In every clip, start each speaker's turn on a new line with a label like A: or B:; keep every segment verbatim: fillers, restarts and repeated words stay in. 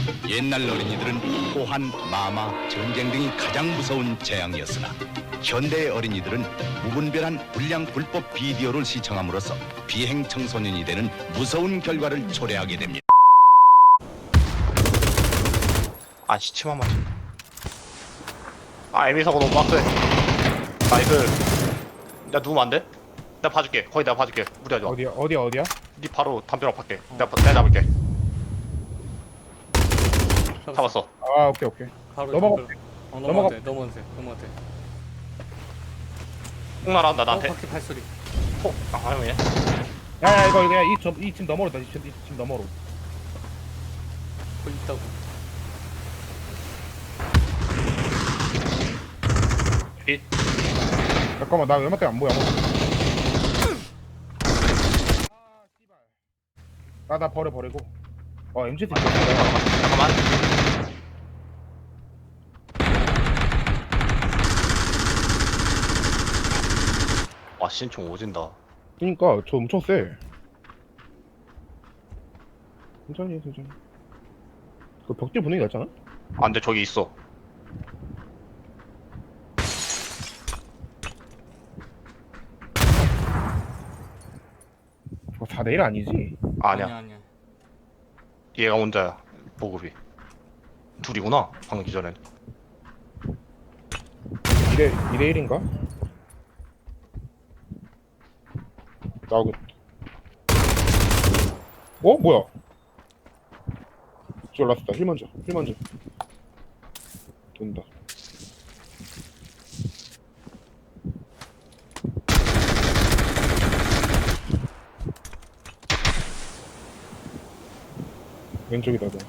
A: 옛날 어린이들은 호환, 마마, 전쟁 등이 가장 무서운 재앙이었으나 현대의 어린이들은 무분별한 불량 불법 비디오를 시청함으로써 비행 청소년이 되는 무서운 결과를 초래하게 됩니다.
B: 아 시치만 맞아 에미 사고 너무 빡세. 나이스. 나 누우면 안 돼? 내가 봐줄게. 거의 내가 봐줄게. 무리하지 마.
C: 어디야 어디야 어디야?
B: 니 바로 담벼락 밖에. 내가 봐- 내가 잡을게. 잡았어.
C: 아 오케이 오케이.
D: 바로
C: 넘어가.
D: 덤벨. 어, 넘어가도 돼. 넘어가도 돼. 넘어가도 돼.
B: 폭 날아온다 나한테.
D: 어, 바퀴 발소리.
B: 폭. 아 형이네.
C: 야야 이거 이거 이집이집 너머로다. 이집 너머로.
D: 거기 있다고.
B: 이
C: 잠깐만 나 웬만 때안 보여. 나나 버려 버리고. 어 엠지 있어.
B: 잠깐만. 와 신총 오진다.
C: 그니까 저 엄청 세. 천천히 천천히. 그 벽지 분위기 났잖아?
B: 아 근데 저기 있어.
C: 어, 사 대 일 아니지?
B: 아, 아니야.
D: 아니야. 아니야.
B: 얘가 혼자야. 보급이. 둘이구나. 방금 기전엔.
C: 이 대 이 대 일인가? 나오겠다. 어? 뭐야? 졸랐다. 힐 먼저. 힐 먼저. 된다. 왼쪽이다. 너.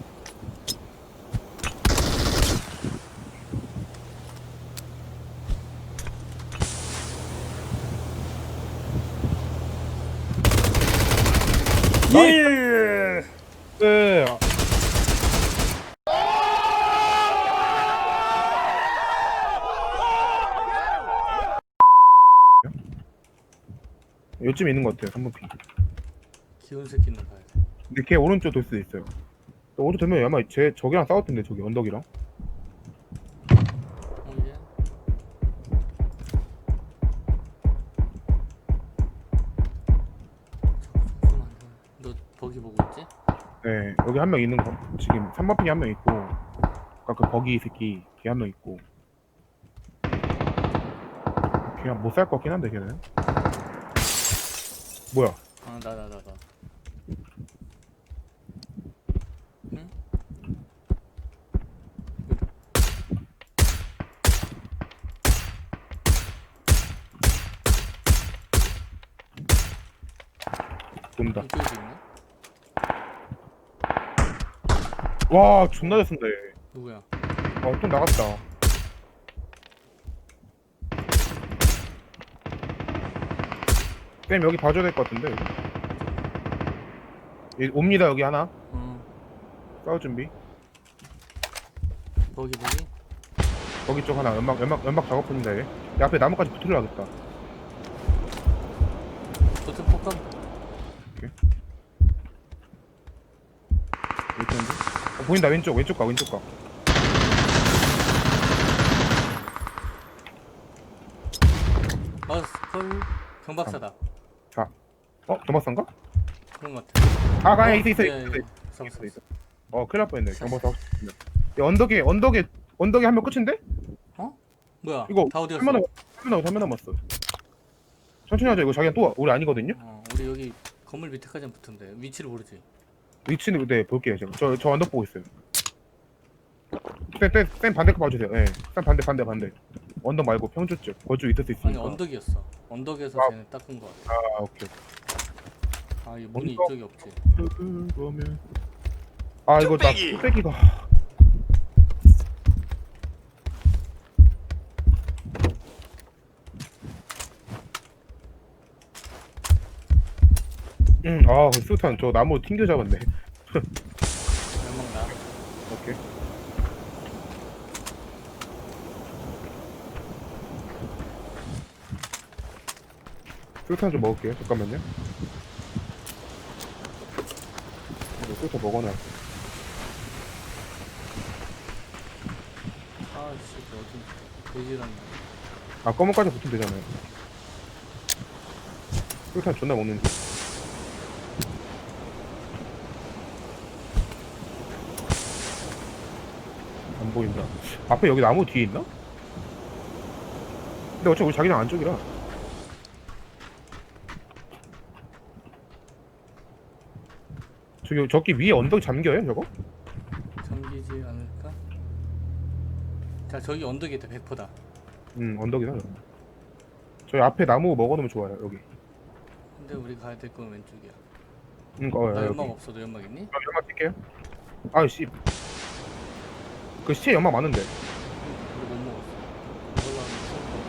D: 예.
C: 네. 요쯤에 있는 것 같아요. 삼 번 핑.
D: 귀여운 새끼는 봐야 돼.
C: 근데 걔 오른쪽 돌 수도 있어요. 또 오른쪽 되면 아마 쟤 저기랑 싸웠던데 저기 언덕이랑.
D: 어 이제. 잠깐만. 너 버기 보고 있지?
C: 네, 여기 한 명 있는 거. 지금 삼 번 핑이 한 명 있고, 아까 그 버기 새끼 걔 한 명 있고. 걔가 못 살 것 같긴 한데 걔는. 뭐야?
D: 아 나 나 나 나. 응?
C: 돈다.
D: 이쪽에도 있네?
C: 와, 존나 잘 쓴다 얘.
D: 누구야?
C: 어, 좀 나갔다. 쌤 여기 봐줘야 될 것 같은데 여기. 여기 옵니다 여기 하나.
D: 어
C: 싸울 준비.
D: 버기 버기?
C: 거기 쪽 하나 연막 연막 연막 작업 중인다 얘. 이 앞에 나무까지 붙으려야겠다.
D: 버튼 폭감?
C: 여기 있는데? 어, 보인다 왼쪽 왼쪽 가 왼쪽 가.
D: 아 헐 경박사다.
C: 어? 도마스인가?
D: 그런 것 같아.
C: 아, 가야 있어 있어
D: 예,
C: 있어
D: 예,
C: 있어
D: 예.
C: 있어
D: 잡았어.
C: 있어. 어, 큰일 날 뻔했네. 경보사 하고 싶으면. 야, 언덕에 언덕에 언덕에 한 명 끝인데?
D: 뭐야?
C: 이거
D: 다 어디 갔어?
C: 한명 남았 한명 남았어 한명 남았어. 천천히 하자. 이거 자기가 또 우리 아니거든요.
D: 어, 우리 여기 건물 밑에까지 붙은데 위치를 모르지.
C: 위치는 네 볼게요 지금. 저 저 언덕 보고 있어요. 쌤, 쌤, 쌤 반대 거 봐주세요. 예. 쌤 반대 반대 반대. 언덕 말고 평주 쪽. 거주 있을 수
D: 아니
C: 있으니까.
D: 언덕이었어. 언덕에서
C: 아.
D: 쟤네 닦은 거 같아.
C: 아, 오케이.
D: 아, 이 문이
C: 언덕?
D: 이쪽에 없지.
C: 그러면 아 이거 나 뚝배기가. 응, 아, 그 수탄 저 나무 튕겨 잡았네.
D: 연막 나.
C: 오케이. 수탄 좀 먹을게요. 잠깐만요. 이거 수탄 먹어놔.
D: 아씨 어디 돼지란.
C: 아 검은까지 붙으면 되잖아요. 술탄 존나 먹는지. 안 보인다. 앞에 여기 나무 뒤에 있나? 근데 어차피 우리 자기장 안쪽이라. 저기 저기 위에 언덕 잠겨요 저거?
D: 잠기지 않을까? 자 저기 언덕에 있다 백 퍼센트다.
C: 응 언덕이다. 저거. 저희 앞에 나무 먹어놓으면 좋아요 여기.
D: 근데 우리 가야 될 건 왼쪽이야.
C: 응 어,
D: 나
C: 여기.
D: 연막 없어. 너 연막 있니?
C: 아, 연막 뛸게요. 아씨. 그 시체 연막 많은데.
D: 우리 못 먹었어. 이걸로 하면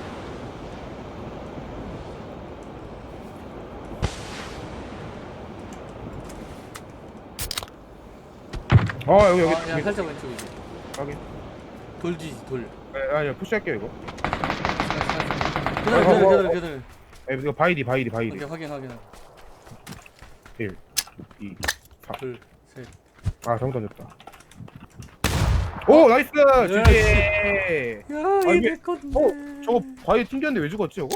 C: 아 여기 여기.
D: 아, 야
C: 여기.
D: 살짝 왼쪽이지.
C: 여기.
D: 돌지지 돌.
C: 아, 아니요 푸시할게요 이거.
D: 그대로
C: 어, 어,
D: 그대로
C: 어,
D: 그대로
C: 어.
D: 그대로.
C: 에 이거 바이디 바이디 바이디.
D: 오케이 확인 확인.
C: 일, 이, 삼.
D: 둘 셋.
C: 아 잘못 던졌다. 오 나이스
D: 예,
C: 지지.
D: 야
C: 아,
D: 이게
C: 이게-
D: 내 건데.
C: 어 저거 바이디 튕겼는데 왜 죽었지 저거?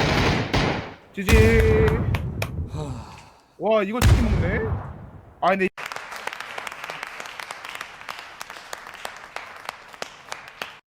C: 지지. 와 이걸 치킨 먹네. 아 근데